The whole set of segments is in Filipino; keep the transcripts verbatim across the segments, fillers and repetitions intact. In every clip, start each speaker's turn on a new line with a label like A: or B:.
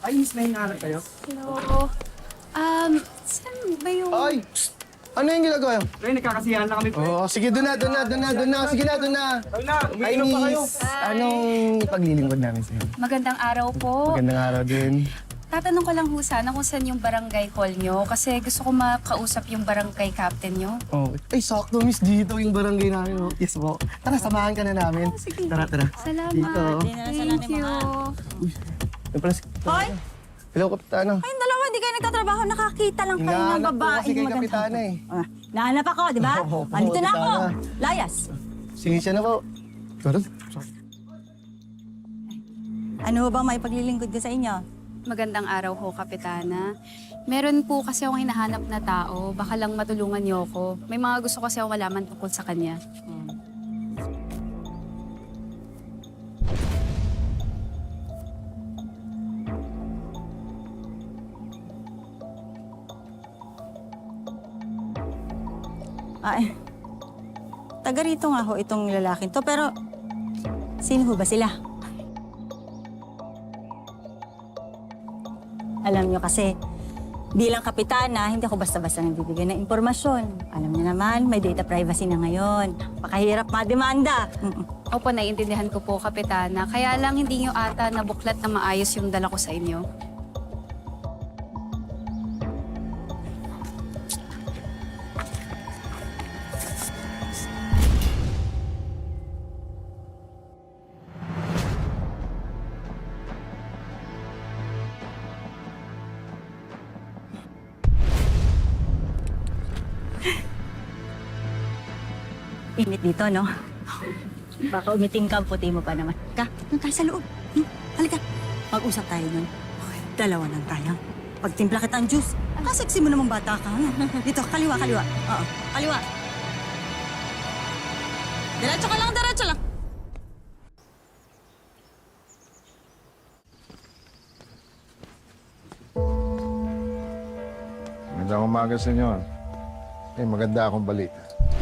A: Ay, miss, may hinahanap kayo?
B: Hello. Um, saan ba yung...
C: Ay! Psst! Ano yung ginagawa yun?
A: Pre, nagkakasiyahan na kami, pre.
C: Oo, oh, sige, doon na, doon na, doon na, doon na. Sige na, doon na.
A: Ay na,
C: Ay,
A: umiinom pa kayo.
C: miss. Anong ipaglilingkod namin sa'yo?
B: Magandang araw po.
C: Magandang araw din.
B: Tatanong ko lang ho sana kung saan yung barangay hall nyo kasi gusto ko makausap yung barangay captain nyo.
C: Oh, ay, sakto, miss. Dito yung barangay namin. Oh. Yes po. Tara, samahan ka na namin.
B: Oh, sige.
C: Tara, tara.
B: Salamat.
C: Dito.
B: Thank you.
C: Yung pala si...
D: Hoy!
C: Hello, Kapitana.
D: Kayong dalawa, hindi kayo nagtatrabaho. Nakakita lang kayo ng
C: Hinahanap po
D: babae.
C: kasi kay Kapitana eh.
D: Ah, nahanap ako, di ba?
C: Oo, oo,
D: Andito na ako.
C: Kapitana.
D: Layas.
C: Sinisya na po. Tara.
D: Ano bang may paglilingkod ko sa inyo?
B: Magandang araw ho, Kapitana. Meron po kasi akong hinahanap na tao. Baka lang matulungan niyo ako. May mga gusto kasi akong malaman tungkol sa kanya.
D: Ay, taga rito nga ho itong lalaking to. Pero, sino ho ba sila? Alam nyo kasi, bilang kapitana, hindi ako basta-basta nagbibigay ng impormasyon. Alam niyo naman, may data privacy na ngayon. Pakahirap mademanda. Mm-mm.
B: Opo, naiintindihan ko po, Kapitana. Kaya lang hindi niyo ata nabuklat na maayos yung dala ko sa inyo.
D: Init dito, no? Baka umiting ka, ang puti mo pa naman. Ka, doon tayo sa loob. Hmm? Halika. Mag-usap tayo nun. Okay, dalawa lang tayo. Pagtimpla kita ang juice. Kaseksi mo namang bata ka. Ano? Dito, kaliwa, kaliwa. Oo, kaliwa. Diretso ka lang, diretso lang.
E: Magandang umaga sa inyo. May maganda akong balita.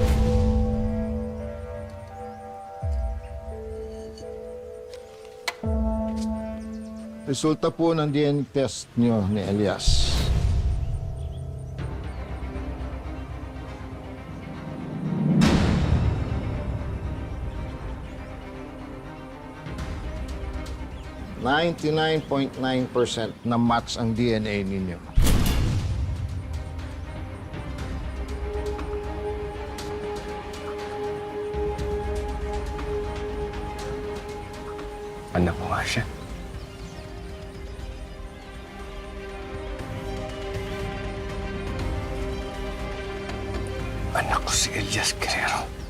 E: Resulta po ng D N A test niyo ni Elias. ninety-nine point nine percent na match ang D N A ninyo.
C: Anak ko nga siya. Anak ko si Elias Guerrero.